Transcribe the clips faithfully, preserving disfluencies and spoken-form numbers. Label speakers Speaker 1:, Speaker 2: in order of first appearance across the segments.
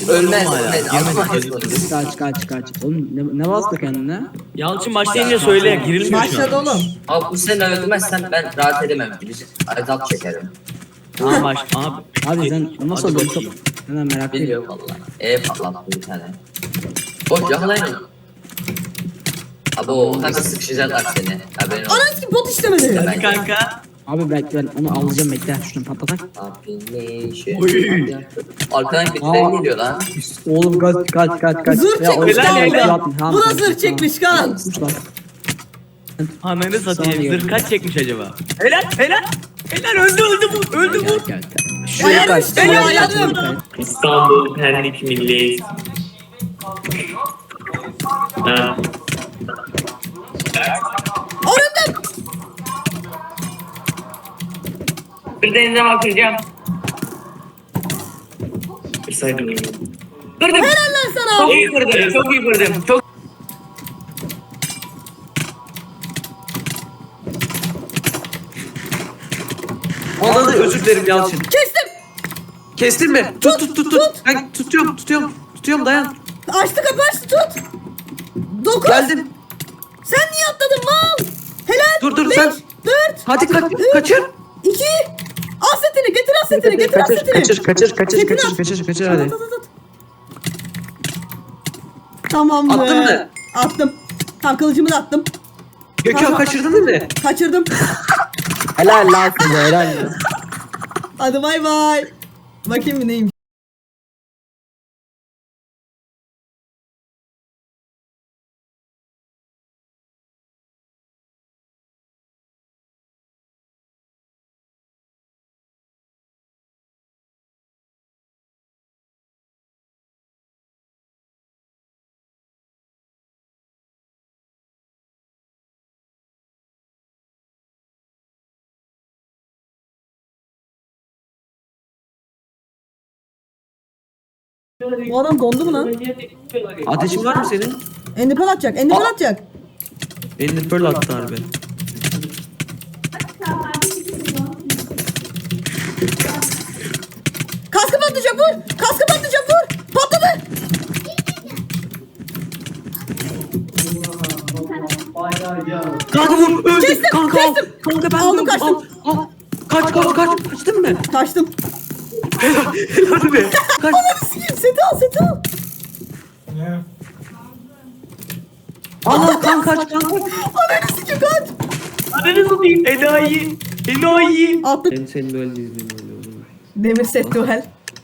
Speaker 1: Ölmez
Speaker 2: hala.
Speaker 1: ölmez.
Speaker 2: Girmedi.
Speaker 1: Allah korusun.
Speaker 3: Kaç kaç kaç. Oğlum ne, ne bastı kendine?
Speaker 2: Yalçın başlayınca söyle, girilmiyor şu
Speaker 4: Başladı
Speaker 2: an.
Speaker 4: oğlum.
Speaker 1: Abi bu sene öldürmezsen ben rahat edemem. Azap çekerim.
Speaker 2: Tamam baş, abi.
Speaker 3: Abi sen nasıl
Speaker 2: Hadi
Speaker 3: öldün?
Speaker 2: bakayım.
Speaker 3: Hemen merak ediyorum.
Speaker 1: Biliyorum vallahi. E patlattı bir tane. Boş yakalayın onu. Abi o kanka sıkışacaklar seni. Haberin olsun.
Speaker 4: Ananı ki bot işlemedi.
Speaker 2: Hadi kanka.
Speaker 3: Abi bekle ben onu alacağım bekle. Şunu patlatak.
Speaker 1: Abi ne işi?
Speaker 2: Oy.
Speaker 1: Arkadan birileri geliyor lan.
Speaker 3: Oğlum kaç kaç kaç kaç.
Speaker 4: Zırh
Speaker 3: Ya,
Speaker 4: çekmiş
Speaker 3: o-
Speaker 2: Helal,
Speaker 4: kan
Speaker 2: helal.
Speaker 4: bu.
Speaker 3: Tamam,
Speaker 4: Bu da
Speaker 3: tamam,
Speaker 4: zırh çekmiş kan.
Speaker 3: tamam. Sus lan.
Speaker 2: Ananı satayım.
Speaker 3: Saniye.
Speaker 2: Zırh kaç çekmiş acaba? Helal helal. Helal öldü öldü bu. Öldü bu.
Speaker 3: Gel, gel, gel.
Speaker 4: Şuraya
Speaker 3: kaç,
Speaker 4: düştü,
Speaker 3: şuraya
Speaker 4: ayarım.
Speaker 3: kaç.
Speaker 5: İstanbul Pendik Milli. Ha.
Speaker 4: Orada.
Speaker 5: Bir denize bakacağım. Bir saydım. Kırdım.
Speaker 4: Helal lan sana.
Speaker 5: Çok iyi kırdım. Çok iyi kırdım. Çok
Speaker 6: Anladı, özür dilerim Yalçın.
Speaker 4: Kestim.
Speaker 6: Kestin mi? Tut tut tut tut. Ben tutuyorum tutuyorum. Tutuyorum dayan.
Speaker 4: Açtı kapı açtı tut. Dokuz.
Speaker 6: Geldim.
Speaker 4: Sen niye atladın mal? Helal.
Speaker 6: Dur, dur,
Speaker 4: Beş,
Speaker 6: sen-
Speaker 4: Dört.
Speaker 6: Hadi kaç, kaçır.
Speaker 4: İki. Asetini getir asetini getir
Speaker 6: Kaçır
Speaker 4: asetini.
Speaker 6: kaçır kaçır kaçır
Speaker 4: Setini
Speaker 6: kaçır
Speaker 4: at.
Speaker 6: kaçır kaçır
Speaker 4: At,
Speaker 6: hadi.
Speaker 4: at, at, at. Tamam be.
Speaker 6: Attın mı?
Speaker 4: Attım. Tam kılıcımı da attım.
Speaker 6: Gökhan kaçırdın değil mi?
Speaker 4: Kaçırdım.
Speaker 3: Helal lan size helal lan.
Speaker 4: Hadi bay bay. Bakayım bir neymiş. Bu adam dondu mu lan?
Speaker 6: Ateşin var mı senin?
Speaker 4: Endipel atacak. Endipel
Speaker 6: Aa.
Speaker 4: atacak.
Speaker 6: Elini pearl attı harbi.
Speaker 4: Kaskı patlayacak vur. Kaskı patlayacak vur. Patladı.
Speaker 6: Kanka vur öldü.
Speaker 4: Kestim,
Speaker 6: Kanka al.
Speaker 4: kestim.
Speaker 6: Kanka ben
Speaker 4: Aldım,
Speaker 6: vurdum,
Speaker 4: kaçtım.
Speaker 6: al, al. Kaç kaç kaç. Kaçtın mı?
Speaker 4: Kaçtım.
Speaker 6: Helal be. Kaç.
Speaker 4: Ananı sikeyim. Seti al seti al.
Speaker 6: Al al kan kaç kan.
Speaker 4: Ananı sikeyim kaç.
Speaker 2: Ananı satayım. Enayi. Enayi.
Speaker 4: Attım.
Speaker 6: Ben senin böyle izleyeyim öyle olur.
Speaker 4: Demir set duel.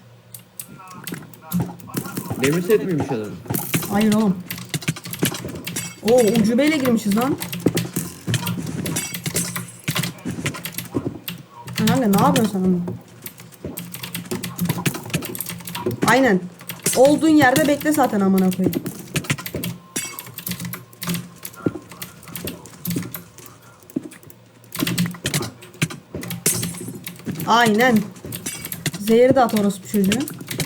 Speaker 6: Demir set miymiş adam?
Speaker 4: Hayır oğlum. Oo ucubeyle girmişiz lan. Kanka ne yapıyorsun sen onu? Aynen. Olduğun yerde bekle zaten amına koyayım. Aynen. Zehri de at orospu çocuğu.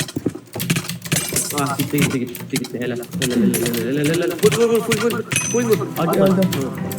Speaker 6: Ah gitti gitti gitti gitti helal. Helal helal helal helal helal. Vur vur vur full vur. Full vur. Acı
Speaker 4: Öldü.
Speaker 6: bak.